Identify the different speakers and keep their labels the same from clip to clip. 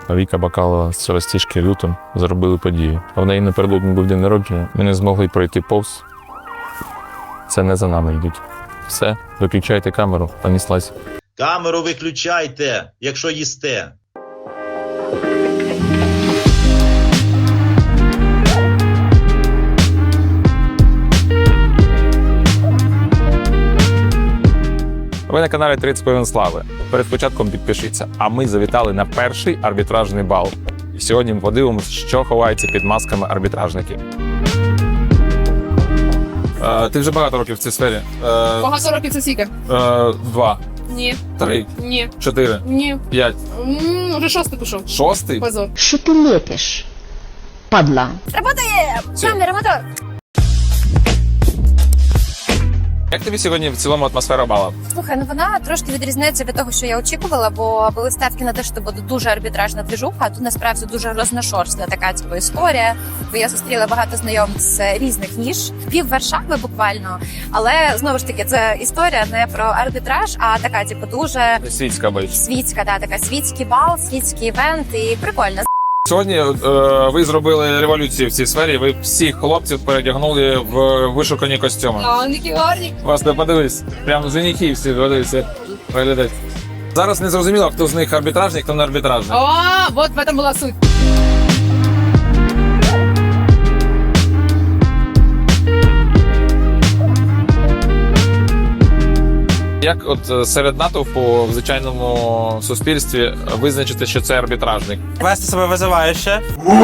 Speaker 1: Віка Бакалова з розтіжки лютом зробили подію. А в неї напередодні був день народження. Ми не змогли пройти повз. Це не за нами йдуть. Все, виключайте камеру, поніслась.
Speaker 2: Камеру виключайте, якщо їсте.
Speaker 1: Ви на каналі 30 хвилин слави. Перед початком підпишіться. А ми завітали на перший арбітражний бал. І сьогодні ми подивимося, що ховається під масками арбітражників. Ти вже багато років в цій сфері?
Speaker 3: Багато років це скільки?
Speaker 1: 2,
Speaker 3: Ні.
Speaker 1: 3,
Speaker 3: Ні.
Speaker 1: 4,
Speaker 3: Ні.
Speaker 1: 5.
Speaker 3: Вже 6-й пішов.
Speaker 1: 6?
Speaker 3: Позор.
Speaker 4: Що ти лепиш, падла?
Speaker 3: Работає! Камера, мотор!
Speaker 1: Як тобі сьогодні в цілому атмосфера бала?
Speaker 5: Слухай, ну вона трошки відрізняється від того, що я очікувала, бо були ставки на те, що буде дуже арбітражна двіжуха, а тут насправді дуже розношорстна така типу історія. Бо я зустріла багато знайомих з різних ніж, пів Варшави буквально. Але знову ж таки, це історія не про арбітраж, а така, типу, дуже
Speaker 1: Світська бич.
Speaker 5: світська, така світський бал, світський івент і прикольно.
Speaker 1: Сьогодні ви зробили революцію в цій сфері. Ви всіх хлопців передягнули в вишукані костюми.
Speaker 3: А, Нікі гарні.
Speaker 1: Вас не подивись. Прямо женихи всі подивися. Виглядають. Зараз не зрозуміло, хто з них арбітражник, хто не арбітражник.
Speaker 3: А, вот в этом була суть.
Speaker 1: Як от серед натовпу в звичайному суспільстві визначити, що це арбітражник?
Speaker 6: Вести себе визивающе.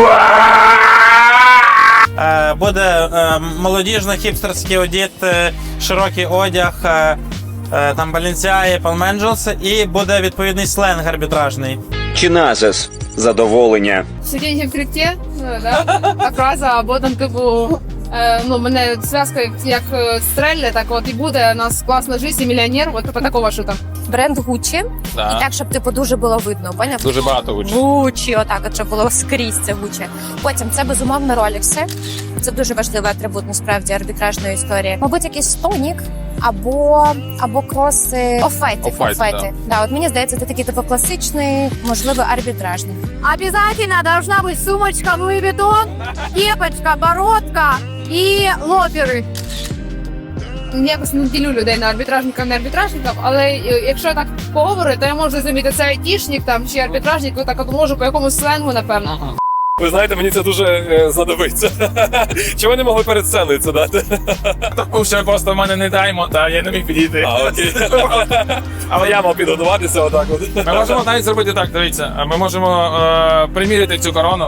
Speaker 6: Буде молодіжно-хіпстерський одіт, широкий одяг, там Balenciaga, Palm Angels, і буде відповідний сленг арбітражний.
Speaker 7: Чиназис. Задоволення.
Speaker 3: Сидіння в крипті, да? Окраса, або там, типу, ну, мене зв'язка як стрельне, так от і буде, у нас класна життя, і мільйонер, от типу такого що там.
Speaker 5: Бренд Gucci. І так, щоб типу дуже було видно, поняв?
Speaker 1: Дуже багато учнів.
Speaker 5: Gucci, отак, от, щоб було скрізь це Gucci. Потім це безумовно ролікси. Це дуже важливий атрибут насправді арбітражної історії. Мабуть, якийсь стонік або кроси оффайти.
Speaker 1: Оффайти,
Speaker 5: Да, от мені здається, це такий типу класичний, можливо, арбітражний.
Speaker 8: Обязательно должна быть сумочка Louis Vuitton, кепочка, бородка и лоферы.
Speaker 3: Якось не ділю людей на арбітражників, не арбітражників, але якщо так поговорити, то я можу зрозуміти, це айтішник там чи арбітражник, отак от можу по якомусь сленгу, напевно.
Speaker 9: Ви знаєте, мені це дуже знадобиться. Чи ви не могли перед сценою це дати?
Speaker 1: Тому що просто в мене не даймо, та я не міг підійти.
Speaker 9: Окей. Але я мав підготуватися отак от.
Speaker 1: Ми можемо навіть зробити так, дивіться. Ми можемо приміряти цю корону.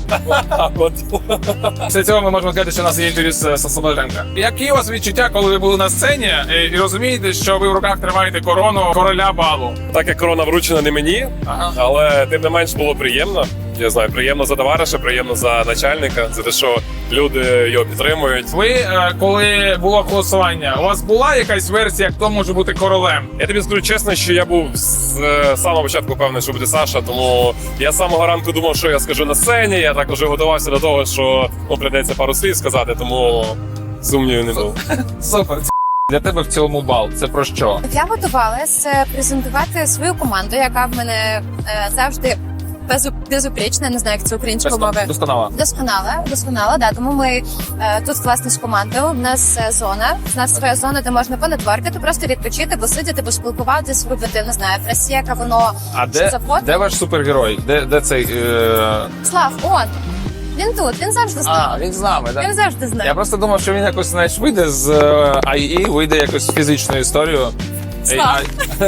Speaker 1: Після цього ми можемо сказати, що у нас є інтерв'ю з Слободенка. Які у вас відчуття, коли ви були на сцені і розумієте, що ви в руках тримаєте корону короля балу?
Speaker 9: Так як корона вручена не мені, але тим не менш було приємно. Я знаю, приємно за товариша, приємно за начальника, за те, що люди його підтримують.
Speaker 1: Ви, коли було голосування, у вас була якась версія, хто може бути королем?
Speaker 9: Я тобі скажу чесно, що я був з самого початку певний, що буде Саша, тому я з самого ранку думав, що я скажу на сцені, я також готувався до того, що прийдеться пару слів сказати, тому сумнівів не було.
Speaker 1: Супер. Для тебе в цілому бал це про що?
Speaker 5: Я готувалася презентувати свою команду, яка в мене завжди безупречна, не знаю, як це українською мовою. Досконала, да. Тому ми тут власне з командою. У нас зона, у нас своя зона, де можна понетворкати, просто відпочити, посидіти, поспілкуватися, випити, не знаю, просека, воно,
Speaker 1: А
Speaker 5: що за фото.
Speaker 1: де ваш супергерой? Де цей?
Speaker 5: Слав, он. Він тут, він завжди з нами.
Speaker 1: Він з нами, так?
Speaker 5: Він завжди з нами.
Speaker 1: Я просто думав, що він якось, знаєш, вийде з IE, вийде якось в фізичну історію.
Speaker 5: Слав.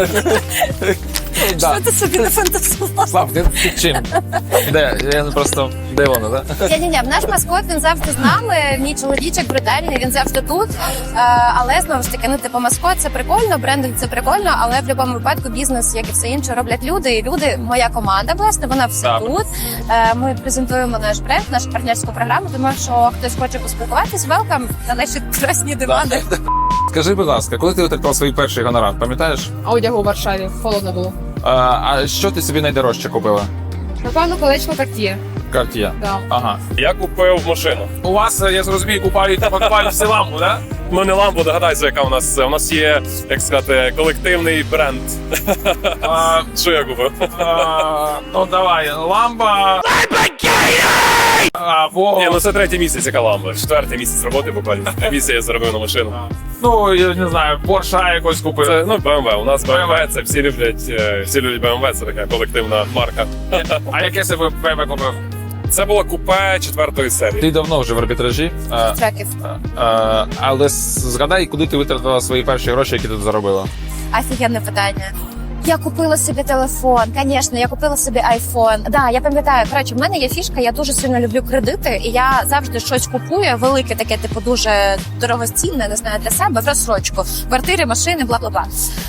Speaker 5: Що ти собі не фантазував?
Speaker 1: Слав, ти чим? Де? Я просто... Де воно, так?
Speaker 5: Ні, наш маскот, він завжди з нами, мій чоловічок брутальний, він завжди тут. Але, знову ж таки, ну, типу, маскот – це прикольно, брендинг – це прикольно, але в будь-якому випадку бізнес, як і все інше, роблять люди. І люди, моя команда, власне, вона все тут. Ми презентуємо наш бренд, нашу партнерську програму, тому що хтось хоче поспілкуватись, welcome на наші красні дивани.
Speaker 1: Скажи, будь ласка, коли ти отримав свій перший гонорар, пам'ятаєш?
Speaker 3: Одягу у Варшаві, холодно було.
Speaker 1: А що ти собі найдорожче купила?
Speaker 3: Напевно, колечко Cartier.
Speaker 1: Cartier.
Speaker 3: Да.
Speaker 1: Ага.
Speaker 9: Я купив машину.
Speaker 1: У вас, я зрозумію, купають всі лампу, так?
Speaker 9: Ну не Lambo, догадайся, яка у нас. У нас є, як сказати, колективний бренд. Що я купив?
Speaker 1: Ну давай, ламба.
Speaker 9: Ні, ну це третій місяць, яка Lambo. Четвертий місяць роботи буквально. Місяць я заробив на машину.
Speaker 1: Ну, я не знаю, Порша якось купив.
Speaker 9: Це, ну, BMW. У нас BMW, це всі люблять BMW, це така колективна марка.
Speaker 1: А яке себе БМВ купив?
Speaker 9: Це було купе 4-ї серії.
Speaker 1: Ти давно вже в арбітражі,
Speaker 5: Треків.
Speaker 1: але згадай, куди ти витратила свої перші гроші, які ти заробила.
Speaker 5: Офігенне питання. Я купила собі телефон, звісно, я купила собі айфон. Да, я пам'ятаю, коротше, в мене є фішка, я дуже сильно люблю кредити, і я завжди щось купую, велике таке, типу, дуже дорогоцінне, не знаю, для себе, в розсрочку. Квартири, машини, бла-бла-бла.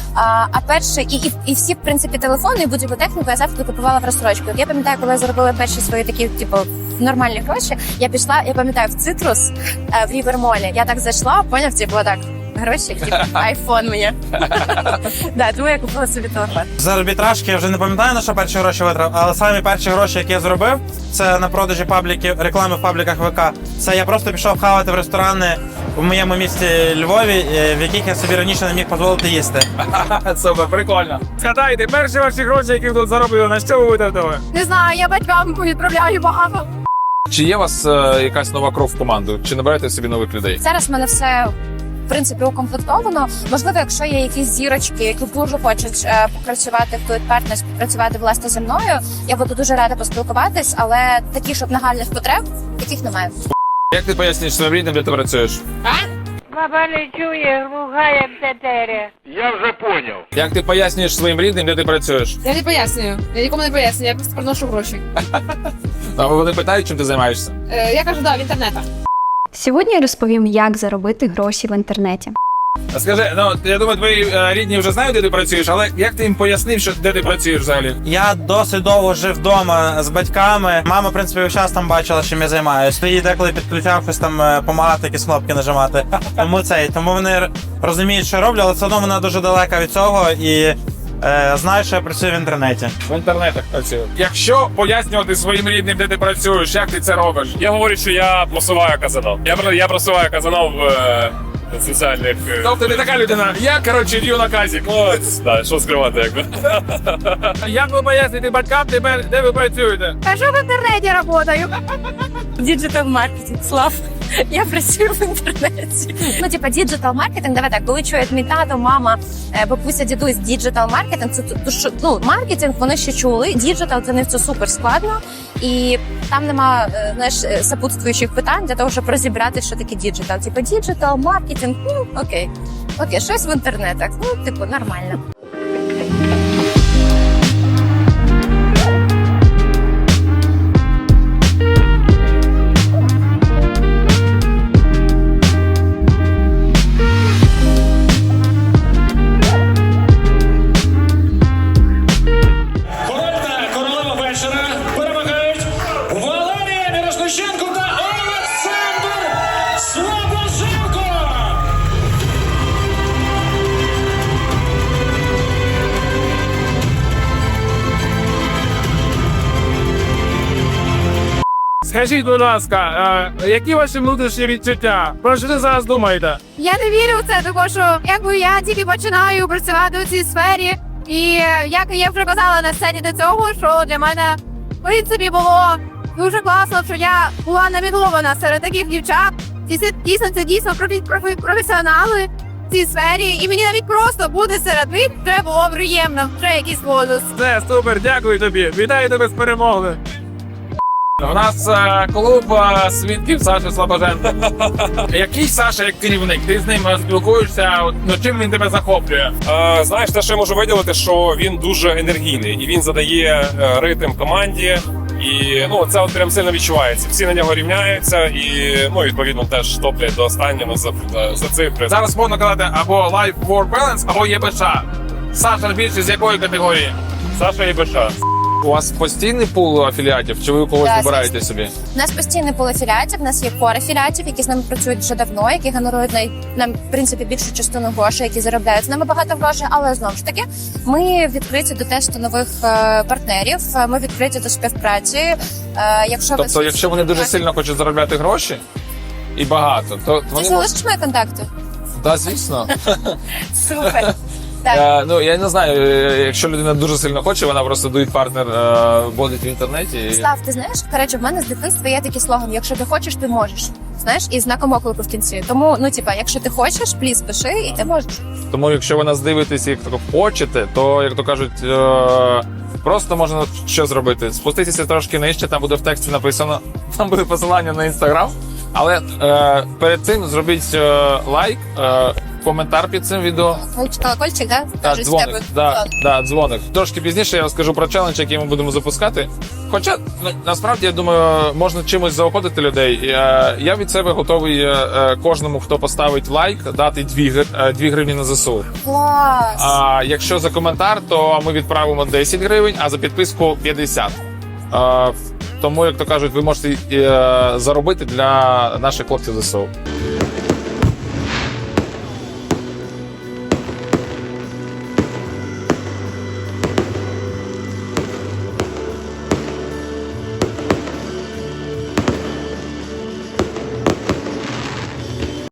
Speaker 5: А перше, і всі, в принципі, телефони і будь-яку техніку я завжди купувала в розсрочку. Я пам'ятаю, коли я заробила перші свої такі, типу, нормальні гроші, я пішла, я пам'ятаю, в Цитрус, в Рівермолі. Я так зайшла, поняв, типу, так, гроші, типу, айфон мені. Да, тому я купила собі телефон.
Speaker 6: З арбітражки я вже не пам'ятаю, на що перші гроші витратив, але самі перші гроші, які я зробив, це на продажі пабліків, реклами в пабліках ВК. Це я просто пішов хавати в ресторани в моєму місті Львові, в яких я собі раніше не міг дозволити їсти.
Speaker 1: Супер, прикольно. Згадайте, перші ваші гроші, які ви тут заробили, на що ви витратили?
Speaker 8: Не знаю, я батькам відправляю багато.
Speaker 1: Чи є у вас якась нова кров в команду? Чи набираєте собі нових людей?
Speaker 5: Зараз в мене все, в принципі, укомплектовано. Можливо, якщо є якісь зірочки, які дуже хочуть попрацювати в Fluid Partners, співпрацювати, власне, зі мною, я буду дуже рада поспілкуватись, але таких, щоб нагальних потреб, таких немає.
Speaker 1: Як ти пояснюєш своїм рідним, де ти працюєш?
Speaker 8: Баба не чує, ругає птетері.
Speaker 1: Як ти пояснюєш своїм рідним, де ти працюєш?
Speaker 3: Я не пояснюю. Я нікому не пояснюю, я просто приношу гроші.
Speaker 1: А вони питають, чим ти займаєшся?
Speaker 3: Я кажу, да, в інтернетах.
Speaker 10: Сьогодні я розповім, як заробити гроші в інтернеті.
Speaker 1: А скажи, ну я думаю, твої рідні вже знають, де ти працюєш, але як ти їм пояснив, що де ти працюєш взагалі?
Speaker 6: Я досить довго жив вдома з батьками. Мама, в принципі, весь час там бачила, чим я займаюся. Її деколи підключав щось там допомагати, якісь кнопки нажимати. Тому вони розуміють, що роблю, але все одно вона дуже далека від цього і знаю, що я працюю в інтернеті.
Speaker 1: В інтернетах працюю. Якщо пояснювати своїм рідним, де ти працюєш, як ти це робиш?
Speaker 9: Я говорю, що я просуваю казанов. Я просуваю казанов в соціальних...
Speaker 1: Тобто ти така людина, я, коротше, дію наказик.
Speaker 9: От, да, що скривати, якби.
Speaker 1: Як ви поясните батькам, де ви працюєте?
Speaker 8: Кажу, в інтернеті працюю.
Speaker 5: Діджитал-маркетинг, Слав. Я працюю в інтернеті. Ну, типа, діджитал-маркетинг, давай так, коли чують мій тато, мама, бабуся, дідусь, діджитал-маркетинг, це ну, маркетинг вони ще чули, діджитал для них це супер складно, і там нема, знаєш, сопутствуючих питань для того, щоб розібрати, що таке діджитал. Типа, діджитал, маркетинг, ну, окей, щось в інтернетах, ну, типу, нормально.
Speaker 11: Королева вечора перемагають Валерія Мірошниченко та Олександр Слобоженко!
Speaker 1: Скажіть, будь ласка, які ваші внутрішні відчуття? Про що ти зараз думаєте?
Speaker 8: Я не вірю в це, тому що якби я тільки починаю працювати у цій сфері, і як я вже казала на сцені до цього, що для мене в принципі було дуже класно, що я була намінована серед таких дівчат. Це дійсно професіонали в цій сфері, і мені навіть просто бути серед них вже було приємно, вже якийсь бонус.
Speaker 1: Все, супер, дякую тобі. Вітаю тебе з перемогою. У нас клуб свідків Саші Слобоженко. Який Саша як керівник? Ти з ним спілкуєшся, ну чим він тебе захоплює?
Speaker 9: Знаєш, те, що я можу виділити, що він дуже енергійний і він задає ритм команді. І ну це от прям сильно відчувається. Всі на нього рівняються і ну відповідно теж топлять до останнього за цифри.
Speaker 1: Зараз можна казати або Life-Work Balance, або ЄБШ. Саша більше з якої категорії?
Speaker 9: Саша ЄБШ.
Speaker 1: У вас постійний пул афіліатів, чи ви когось
Speaker 5: Да,
Speaker 1: вибираєте собі?
Speaker 5: У нас постійний пул афіліатів, у нас є кор афіліатів, які з нами працюють вже давно, які генерують нам, в принципі, більшу частину грошей, які заробляють з нами багато грошей, але знову ж таки, ми відкриті до тесту нових партнерів, ми відкриті до співпраці.
Speaker 1: Тобто, якщо вони дуже сильно хочуть заробляти гроші і багато, то
Speaker 5: Ти
Speaker 1: вони
Speaker 5: залишиш мої контакти?
Speaker 1: Так, звісно.
Speaker 5: Супер. Так.
Speaker 1: Ну, я не знаю, якщо людина дуже сильно хоче, вона просто дует партнер вводить в інтернеті. І...
Speaker 5: Став, ти знаєш, коротше, в мене з дитинства є такий слоган: якщо ти хочеш, ти можеш. Знаєш, і знаком оклику в кінці. Тому, ну, типа, якщо ти хочеш, пліз пиши, і ти можеш.
Speaker 1: Тому, якщо ви нас дивитесь, як то хочете, то, як то кажуть, просто можна що зробити? Спуститися трошки нижче, там буде в тексті написано, там буде посилання на Інстаграм, але перед цим зробіть лайк, коментар під цим відео.
Speaker 5: Колокольчик, да?
Speaker 1: Так,
Speaker 5: Кажуть,
Speaker 1: дзвоник.
Speaker 5: в тебе.
Speaker 1: Да, дзвоник. Трошки пізніше я розкажу про челендж, який ми будемо запускати. Хоча, насправді, я думаю, можна чимось заохотити людей. Я від себе готовий кожному, хто поставить лайк, дати 2 гривні на ЗСУ.
Speaker 5: Клас!
Speaker 1: А якщо за коментар, то ми відправимо 10 гривень, а за підписку 50. Тому, як то кажуть, ви можете заробити для наших хлопців ЗСУ.